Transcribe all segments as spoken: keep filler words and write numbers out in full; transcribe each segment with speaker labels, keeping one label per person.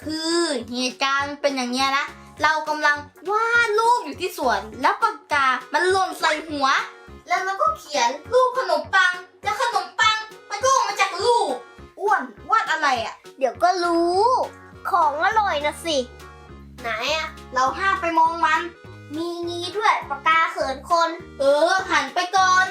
Speaker 1: คือเหตุการณ์เป็นอย่างเนี้ยนะเรากำลังวาดรูปอยู่ที่สวนแล้วปากกา มันหล่นใส่หัวแล้วเราก็เขียนรูปขนมปังแล้วขนมปังมันก็ออกมาจากรูปอ้วนวาดอะไรอ่ะ
Speaker 2: เดี๋ยวก็รู้ ของอร่อยนะสิ
Speaker 1: ไหนอ่ะเราห้ามไปมองมัน
Speaker 2: มีงี้ด้วยปากกาเขินคน
Speaker 1: เออหันไปก่อน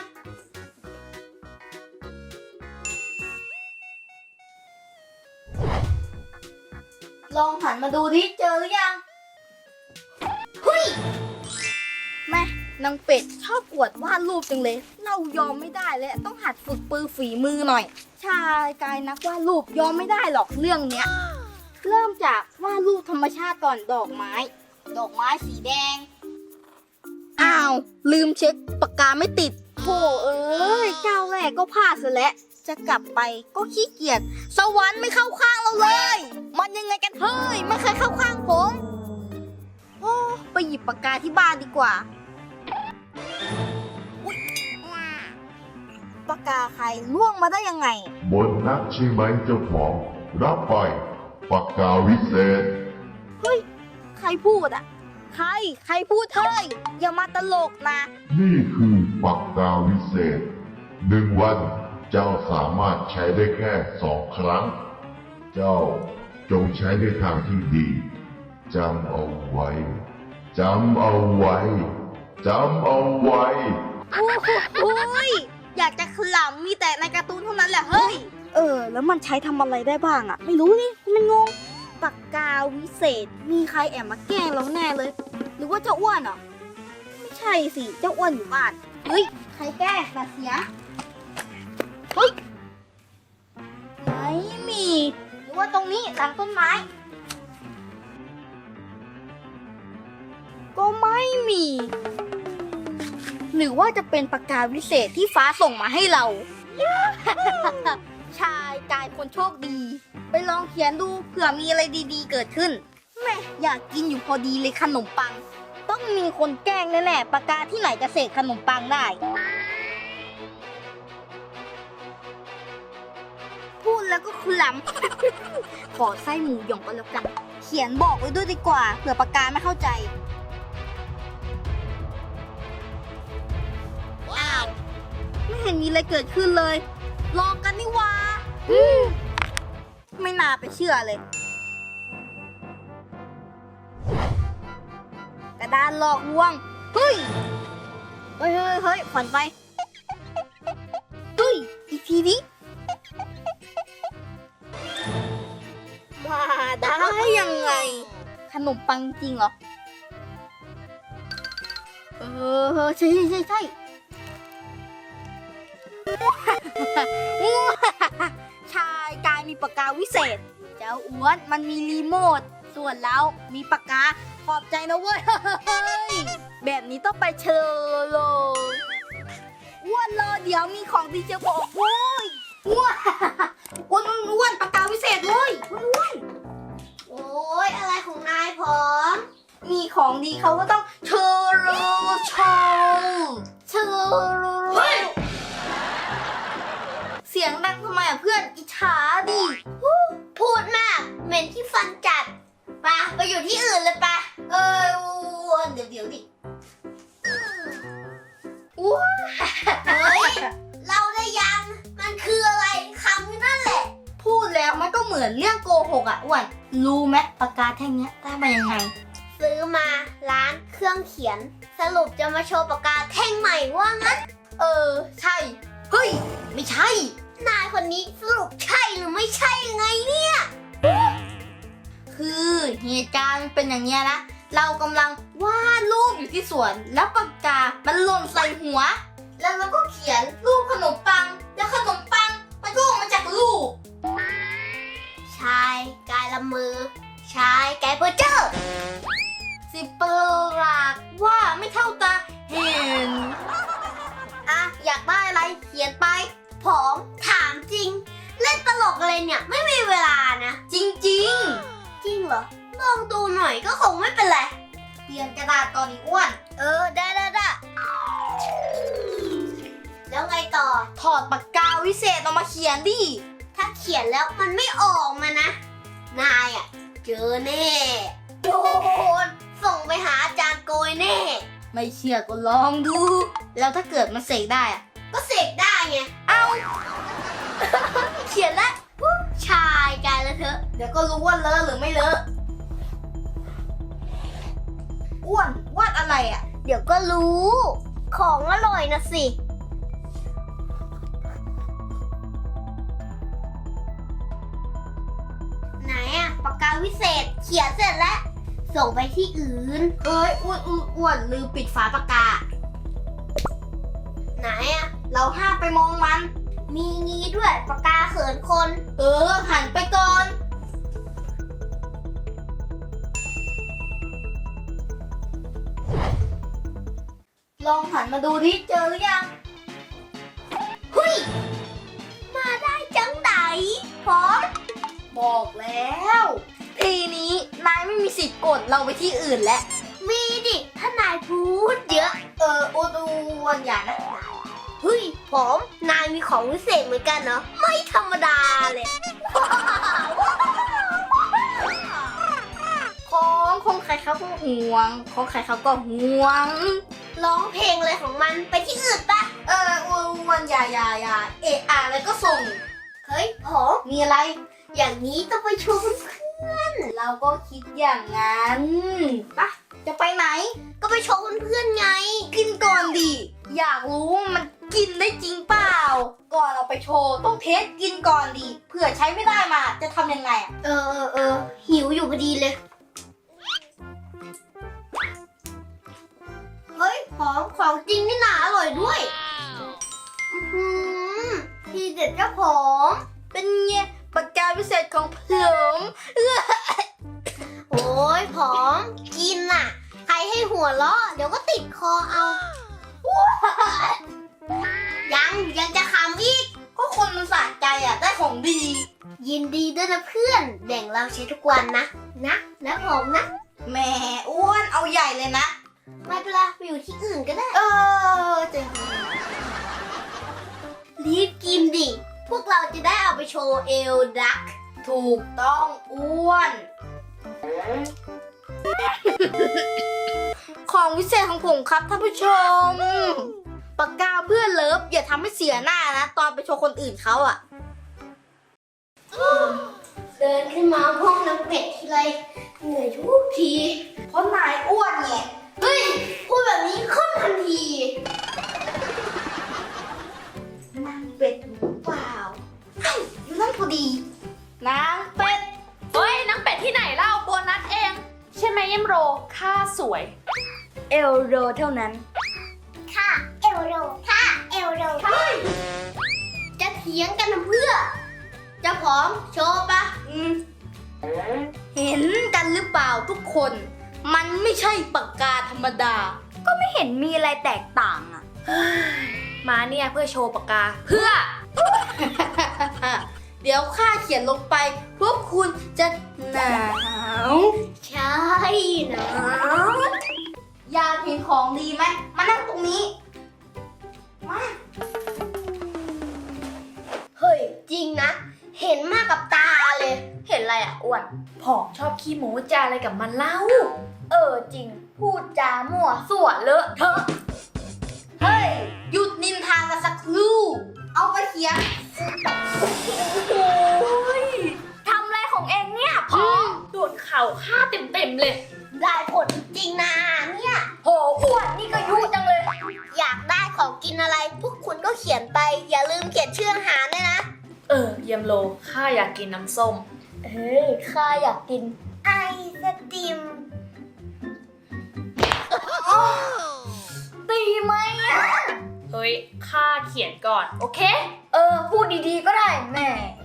Speaker 1: ลองหันมาดูดิเจอหรือยังเฮ้ยแม่นางเป็ดชอบอวดวาดรูปจังเลยเรายอมไม่ได้เลยต้องหัดฝึกปือฝีมือหน่อยชายกายนักวาดรูปยอมไม่ได้หรอกเรื่องเนี้ยเริ่มจากวาดรูปธรรมชาติก่อนดอกไม้ดอกไม้สีแดงอ้าวลืมเช็คปากกาไม่ติดโธ่เอ้ยเจ้าแรกก็พลาดซะแล้วจะกลับไปก็ขี้เกียจสวรรค์ไม่เข้าข้างเราเลยมันยังไงกันเฮ้ยไม่เคยเข้าข้างผมโอ้ไปหยิบปากกาที่บ้านดีกว่าอุ๊ยปากกาใครล่วงมาได้ยังไง
Speaker 3: บนนักใช่ไหมเจ้าของรับไปปากกาวิเศษ
Speaker 1: เฮ้ยใครพูดอ่ะใครใครพูดเฮ้ยอย่ามาตลกนะ
Speaker 3: นี่คือปากกาวิเศษหนึ่งวันเจ้าสามารถใช้ได้แค่สองครั้งเจ้าจงใช้ในทางที่ดีจำเอาไว้จำเอาไว้จำเอาไว้
Speaker 1: โอ้โหอยากจะขลำมีแต่ในการ์ตูนเท่านั้นแหละเฮ้ยเออแล้วมันใช้ทำอะไรได้บ้างอ่ะไม่รู้นี่มันงงปากกาวิเศษมีใครแอบมาแกล้งเราแน่เลยหรือว่าเจ้าอ้วนอ่ะไม่ใช่สิเจ้าอ้วนอยู่บ้านเฮ้ยใครแกล้งแบบเสียเฮ้ยไม่มีหรือว่าตรงนี้หลังต้นไม้ก็ไม่มีหรือว่าจะเป็นปากกาวิเศษที่ฟ้าส่งมาให้เรา ชายกายคนโชคดีไปลองเขียนดูเผื่อมีอะไรดีๆเกิดขึ้นแม่อยากกินอยู่พอดีเลยขนมปังต้องมีคนแกล้งแน่ๆปากกาที่ไหนจะเสกขนมปังได้พูดแล้วก็คลำ ขอไส้หมูหยองก็แล้วกันเขียนบอกไว้ด้วยดีกว่าเผื่อปากกาไม่เข้าใจอ้าวไม่เห็นมีอะไรเกิดขึ้นเลยลองกันนี่วะไม่น่าไปเชื่อเลยกระดานหลอกลวงเฮ้ยเฮ้ยเฮ้ยเฮ้ยขวัญไปเฮ้ยอีกทีนี้มาได้ยังไงขนมปังจริงเหรอเออใช่ใช่ใช่ใช่ชายกายมีปากกาวิเศษเจ้าอ้วนมันมีรีโมทส่วนเรามีปากกาขอบใจนะเว้ยแบบนี้ต้องไปเชอโลอ้วนรอเดี๋ยวมีของดีเจบอกโว้ยอ้วนอ้วนอ้วนปากกาวิเศษเว้ยอ้วน
Speaker 2: โอ้ยอะไรของนายผอม
Speaker 1: มีของดีเขาก็ต้องเชอโลโชว์เชอโลเสียงดังทำไมอ่ะเพื่อนอิจฉาดิ
Speaker 2: พูดมากเหม็นที่ฟันจัดไปไปอยู่ที่อื่นเลยไป
Speaker 1: เอออ้วนเดี๋ยวเดี๋ยวดิ
Speaker 2: อ้วนเฮ้ยเราได้ยังมันคืออะไรคำนั่นแหละ
Speaker 1: พูดแล้วมันก็เหมือนเรื่องโกหกอ่ะอ้วนรู้ไหมปากกาแท่งเนี้ยได้มายังไง
Speaker 2: ซื้อมาร้านเครื่องเขียนสรุปจะมาโชว์ปากกาแท่งใหม่ว่างั้น
Speaker 1: เออใช่เฮ้ยไม่ใช่
Speaker 2: นายคนนี้สรุปใช่หรือไม่ใช่ยังไงเนี่ย
Speaker 1: คือเหตุการณ์เป็นอย่างเนี้ยนะเรากำลังวาดรูปอยู่ที่สวนแล้วปากกา มันหล่นใส่หัวแล้วเราก็เขียนรูปขนมปังแล้วขนมปังมันก็ออกมาจากรูป
Speaker 2: ชายกายละมือชายกายเพอร์เจอร์
Speaker 1: สิบประหลาดว่าไม่เท่าตาเห็นอ่ะอยากได้อะไรเขียนไป
Speaker 2: ผอมถามจริงเล่นตลกอะไรเนี่ยไม่มีเวลานะ
Speaker 1: จริงจริง
Speaker 2: จริงเหรอลองดูหน่อยก็คงไม่เป็นไร
Speaker 1: เปลี่ยนกระดาษก่อนอีกอ้วน
Speaker 2: เออได้ได้ได้แล้วไงต่อ
Speaker 1: ถอดปากกาวิเศษออกมาเขียนดิ
Speaker 2: ถ้าเขียนแล้วมันไม่ออกมานะนายอ่ะเจอแน่โดนส่งไปหาอาจารย์โกยแน่
Speaker 1: ไม่เชื่อก็ลองดู แล้วถ้าเกิดมันเสกได้อะ
Speaker 2: ก็เสกได้ไง
Speaker 1: เอา เขียนแล้ว
Speaker 2: ชายกายแล้วเถอะ
Speaker 1: เดี๋ยวก็รู้ว่าเลอะหรือไม่เลอะอ้วนวาดอะไรอ่ะ
Speaker 2: เดี๋ยวก็รู้ ของอร่อยนะสิ ไหนอะปากกาวิเศษเขียนเสร็จแล้ว ส่งไปที่อื่น
Speaker 1: เอ้ยอ้วนอ้วนอ้วนลืมปิดฝาปากกา
Speaker 2: ไหนอะ
Speaker 1: เราห้ามไปมองมัน
Speaker 2: มีงี้ด้วยปากกาเขินคน
Speaker 1: เออ หันไปก่อน ลองหันมาดูดิเจอหรือยัง
Speaker 2: เฮ้ย มาได้จังไหนพร้อม
Speaker 1: บอกแล้ว ทีนี้นายไม่มีสิทธิ์กดเราไปที่อื่นแล้ว
Speaker 2: มีดิ ถ้านายพูดเยอะ
Speaker 1: เอออ้วนอ้วนอย่านะ
Speaker 2: เฮ้ยผม นายมีของวิเศษเหมือนกันเนาะไม่ธรรมดาเลย
Speaker 1: ของของใครเขาก็ห่วง ของใครเขาก็ห่วง
Speaker 2: ร้องเพลงเลยของมันไปที่อื่นปะ
Speaker 1: เอออ้วนอ้วนอย่าอย่าอย่าเอะอะแล้วก็ส่ง
Speaker 2: เฮ้ยผม
Speaker 1: มีอะไร
Speaker 2: อย่างนี้ต้องไปชวนเพื่อน
Speaker 1: เราก็คิดอย่างนั้นปะจะไปไหน
Speaker 2: ก็ไปชวนเพื่อนไง
Speaker 1: กินก่อนดิ อยากรู้ว่ามันกินได้จริงเปล่า ก่อนเราไปโชว์ต้องเทสกินก่อนดิเผื่อใช้ไม่ได้มาจะทำยังไงอะ
Speaker 2: เออเออเออหิวอยู่พอดีเลย เฮ้ยหอมของจริงนี่นาอร่อยด้วย อือหือทีเด็ดเจ้าผม
Speaker 1: เป็นไงปากกาพิเศษของผม
Speaker 2: โอ้ยผอมกินน่ะ ใครให้หัวเราะเดี๋ยวก็ติดคอเอา ยังยังจะขำอีก
Speaker 1: ก็คนมันสะใจอ่ะได้ของดี
Speaker 2: ยินดีด้วยนะเพื่อนแบ่งเราใช้ทุกวันนะ นะนะผมนะ
Speaker 1: แหมอ้วนเอาใหญ่เลยนะ
Speaker 2: ไม่เป็นไรไปอยู่ที่อื่นก็ได้
Speaker 1: เออจริง
Speaker 2: รีบกินดิ พวกเราจะได้เอาไปโชว์เอลดัก
Speaker 1: ถูกต้องอ้วน ของวิเศษของผมครับท่านผู้ชม ปากกาเพื่อนเลิฟอย่าทำให้เสียหน้านะ ตอนไปโชว์คนอื่นเขาอ่ะ
Speaker 2: เดินขึ้นมาห้องน้ำเป็ดทีไรเหนื่อยทุกที
Speaker 1: เพราะนายอ้วนไง
Speaker 2: เฮ้ย พูดแบบนี้ขึ้นทันที
Speaker 1: นางเป็ดหรือเปล่าเอ้ยอยู่นั่นพอดี นางเป็ด
Speaker 4: เฮ้ยนางเป็ดที่ไหนเล่าโบนัสเอง ใช่ไหมเยมโรค่าสวย
Speaker 1: เอลโรเท่านั้น
Speaker 2: ค่ะ เอลโรค่ะ เอลโรจะเถียงกันทำเพื่อ จะพร้อมโชว์ปะ
Speaker 1: อืมเห็นกันหรือเปล่าทุกคน มันไม่ใช่ปากกาธรรมดา ก็ไม่เห็นมีอะไรแตกต่างอ่ะ
Speaker 4: มาเนี่ยเพื่อโชว์ปากกา เพื่อ
Speaker 1: เดี๋ยวข้าเขียนลงไป พวกคุณจะหนาว
Speaker 2: ใช่นะ
Speaker 1: อยากเห็นของดีไหม มานั่งตรงนี้ มา
Speaker 2: เฮ้ย จริงนะ เห็นมากับตาเลย
Speaker 4: เห็นอะไรอ่ะอ้วนผอมชอบขี้โม้จาอะไรกับมันเล่า เออจริง พูดจามั่วสั่วเลอะเทอะ
Speaker 1: เฮ้ย หยุดนินทากันสักครู่ เอาไปเขียน
Speaker 4: โอ้ยทำอะไรของเองเนี่ยผอมโดนเข่าฆ่าเต็มๆเลย
Speaker 2: ได้ผลจริงนะเนี่ย
Speaker 4: โหอ้วนนี่ก็ยุจังเลย
Speaker 2: อยากได้ของกินอะไร พวกคุณก็เขียนไป อย่าลืมเขียนชื่ออาหารด้วยนะ
Speaker 4: เออเยมโลข้าอยากกินน้ำส้ม
Speaker 2: เฮ้ย ข้าอยากกินไอศติม
Speaker 1: ตีไหมอ่ะ
Speaker 4: เฮ้ยข้าเขียนก่อน โอเค
Speaker 1: เออ พูดดีๆก็ได้แม่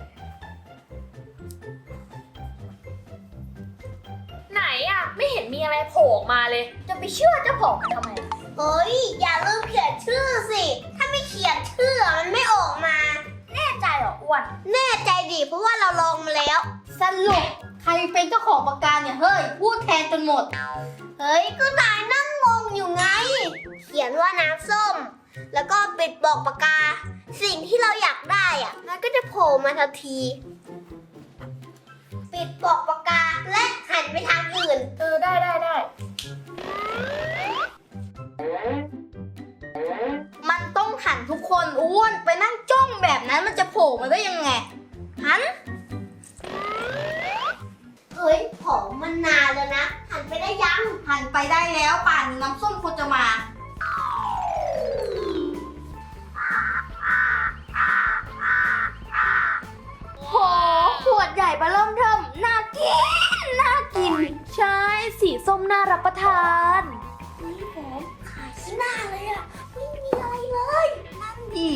Speaker 4: ไหนอ่ะ ไม่เห็นมีอะไรโผล่ออกมาเลย
Speaker 1: จะไปเชื่อเจ้าของมันทำไม
Speaker 2: เฮ้ย อย่าลืมเขียนชื่อสิ ถ้าไม่เขียนชื่อมันไม่ออกมา
Speaker 1: แน่ใจเหรออ้วน
Speaker 2: แน่ใจดิเพราะว่าเราลองมาแล้ว
Speaker 1: สรุปใครเป็นเจ้าของปากกาเนี่ย เฮ้ย พูดแทนจนหมด
Speaker 2: เฮ้ย ก็นายนั่งงงอยู่ไง เขียนว่าน้ำส้ม แล้วก็ปิดบอกปากกา สิ่งที่เราอยากได้อะมันก็จะโผล่มาทันที ปิปิดปลอกปากกาและหันไปทางอื่น
Speaker 4: เออได้ได้ได้
Speaker 1: มันต้องหันทุกคนอ้วนไปนั่งจ้องแบบนั้นมันจะโผล่มาได้ยังไง หัน
Speaker 2: เฮ้ยผมมันนานแล้วนะ หันไปได้ยัง
Speaker 1: หันไปได้แล้วป่านนี้น้ำส้มควรจะมา
Speaker 4: โหขวดใหญ่เบอเริ่มเทิมน่ากิน น่ากิน ใช่ สีส้มน่ารับประทาน
Speaker 2: นี่ผมขายขี้หน้าเลยอะไม่มีอะไรเลย
Speaker 1: นั่นดิ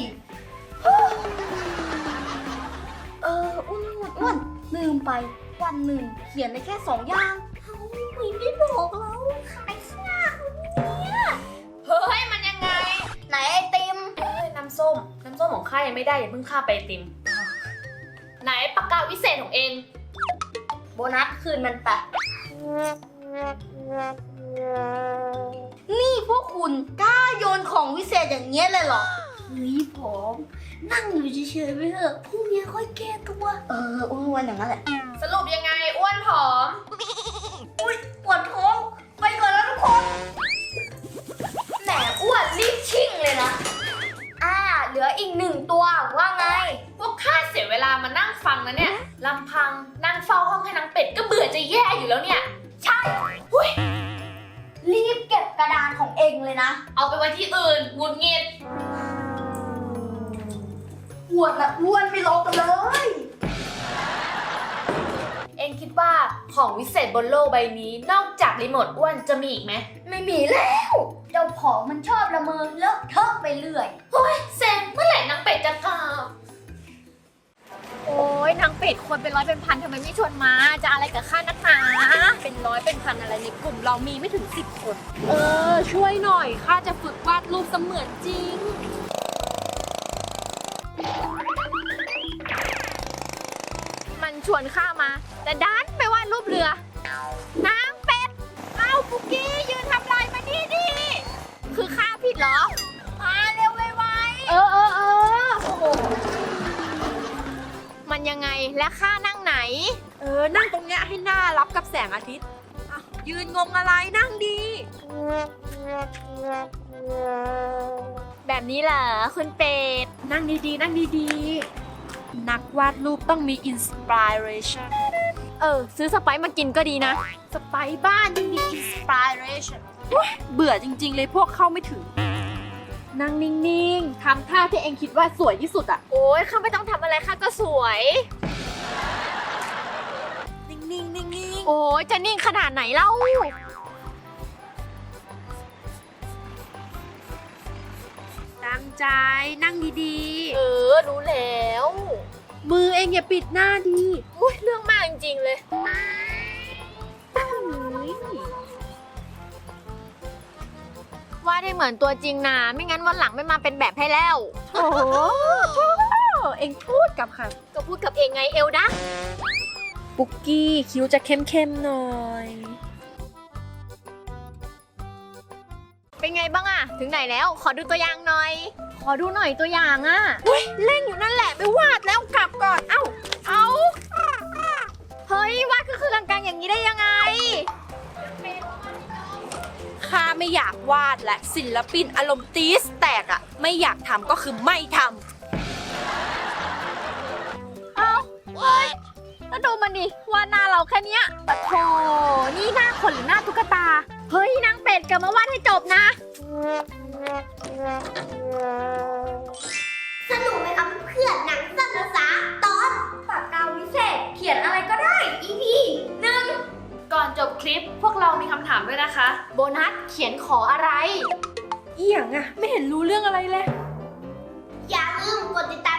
Speaker 1: เอออ้วนอ้วนอ้วนลืมไปวันหนึ่งเขียนได้แค่สองอย่าง
Speaker 2: เขาไม่ได้บอกเราขายขี้หน้าเนี่ย
Speaker 4: เฮ้ย มันยังไง
Speaker 1: ไหนไอติม
Speaker 4: เฮ้ย น้ำส้ม น้ำส้มของข้ายังไม่ได้อย่าเพิ่งข้าไปไอติม ไหนปากกาวิเศษของเอง
Speaker 1: โบนัสคืนมันไป นี่พวกคุณกล้าโยนของวิเศษอย่างเงี้ยเลยเหรอ
Speaker 2: เฮ้ยผมนั่งอยู่เฉยๆไปเถอะพรุ่งนี้ค่อยแก้ตัว
Speaker 1: เอออ้วนๆอย่างนั้นแหละ
Speaker 4: สรุปยังไงอ้วนผอม
Speaker 1: ปวดท้องไปก่อนแล้วทุกคน
Speaker 4: แหมอ้วนรีบชิ่งเลยนะ
Speaker 1: อ่า เหลืออีกหนึ่งตัวว่าไง
Speaker 4: พวกข้าเสียเวลามานั่งฟังนะเนี่ยลำพังนั่งเฝ้าห้องให้นางเป็ดก็เบื่อจะแย่อยู่แล้วเนี่ย ใช่หุ้ย
Speaker 1: รีบเก็บกระดานของเองเลยนะ
Speaker 4: เอาไปไว้ที่อื่นหงุดหงิด
Speaker 1: ปวดละอ้วนไม่ลงกันเลย
Speaker 4: เอ็งคิดว่าของวิเศษบนโลกใบนี้นอกจากรีโมทอ้วนจะมีอีกไหม
Speaker 1: ไม่มีแล้ว เจ้าของมันชอบละเมอเลอะเทอะไปเรื่อย
Speaker 4: เฮ้ยเซนเมื่อไหร่นางเป็ดจะกลับ โอ้ยนางเป็ดคนเป็นร้อยเป็นพันทำไมไม่ชวนมา จะอะไรกับข้านักหนาเป็นร้อยเป็นพันอะไรในกลุ่มเรามีไม่ถึงสิบคน เออ ช่วยหน่อยข้าจะฝึกวาดรูปเสมือนจริง มันชวนข้ามา แต่ดันไปวาดรูปเรือนางเป็ด เอ้าปุกกี้ยืนทำลายมานี่ดิคือข้าผิดเหรอ มาเร็วไวๆเออเออเออโอ้โหมันยังไงและข้านั่งไหน
Speaker 5: เออ นั่งตรงเนี้ยให้หน้ารับกับแสงอาทิตย์อ่ะยืนงงอะไรนั่งดี
Speaker 4: แบบนี้เหรอคุณเป็ด
Speaker 5: นั่งดีๆ นั่งดีๆ นักวาดรูปต้องมีอินสปิเรชัน
Speaker 4: เออ ซื้อสไปซ์มากินก็ดีนะ
Speaker 5: สไปซ์บ้านยังมีอินสปิเรชันเบื่อจริงๆเลยพวกเข้าไม่ถึง นั่งนิ่งๆ ทำท่าที่เองคิดว่าสวยที่สุดอะ
Speaker 4: โอ้ยข้าไม่ต้องทำอะไรข้าก็สวย
Speaker 5: นิ่งๆ นิ่ง
Speaker 4: โอ้ยจะนิ่งขนาดไหนเล่า
Speaker 5: ๆ ตั้งใจ นั่งดี
Speaker 4: เออ รู้แล้ว
Speaker 5: ๆ มือเองอย่าปิดหน้าดี
Speaker 4: อุ้ยเรื่องมากจริงๆเลย ว่าได้เหมือนตัวจริงนะ ไม่งั้นวันหลังไม่มาเป็นแบบให้แล้ว
Speaker 5: โอ้โหเองพูดกับค่ะ
Speaker 4: ก็พูดกับเองไงเอลดะ
Speaker 5: ปุกกี้คิ้วจะเข้มๆหน่อย
Speaker 4: เป็นไงบ้างอะถึงไหนแล้ว ขอดูตัวอย่างหน่อย ขอดูหน่อยตัวอย่างอะ
Speaker 5: เล่นอยู่นั่นแหละไปวาดแล้วกลับก่อน เอ้า
Speaker 4: เอา เฮ้ยวาดก็คือกลางๆอย่างนี้ได้ยังไง
Speaker 5: ข้าไม่อยากวาดและศิลปินอารมณ์ตีสแตกอะไม่อยากทำก็คือไม่ท
Speaker 4: เอาเฮ้ย แล้วดูมันดิวาดหน้าเราแค่เนี้ยปะโถนี่หน้าคนหรือหน้าตุ๊กตา เฮ้ยนางเป็ดกลับมาวาดให้จบนะ
Speaker 2: สนุกไหมครับเพื่อนหนังสั้นภาษาตอนปากกาวิเศษ เขียนอะไรก็ได้ อี พี หนึ่ง
Speaker 4: ก่อนจบคลิปพวกเรามีคำถามด้วยนะคะ โบนัสเขียนขออะไร
Speaker 5: ำเอียงอะไม่เห็นรู้เรื่องอะไรเลย
Speaker 2: อย่าลืมกดติดตาม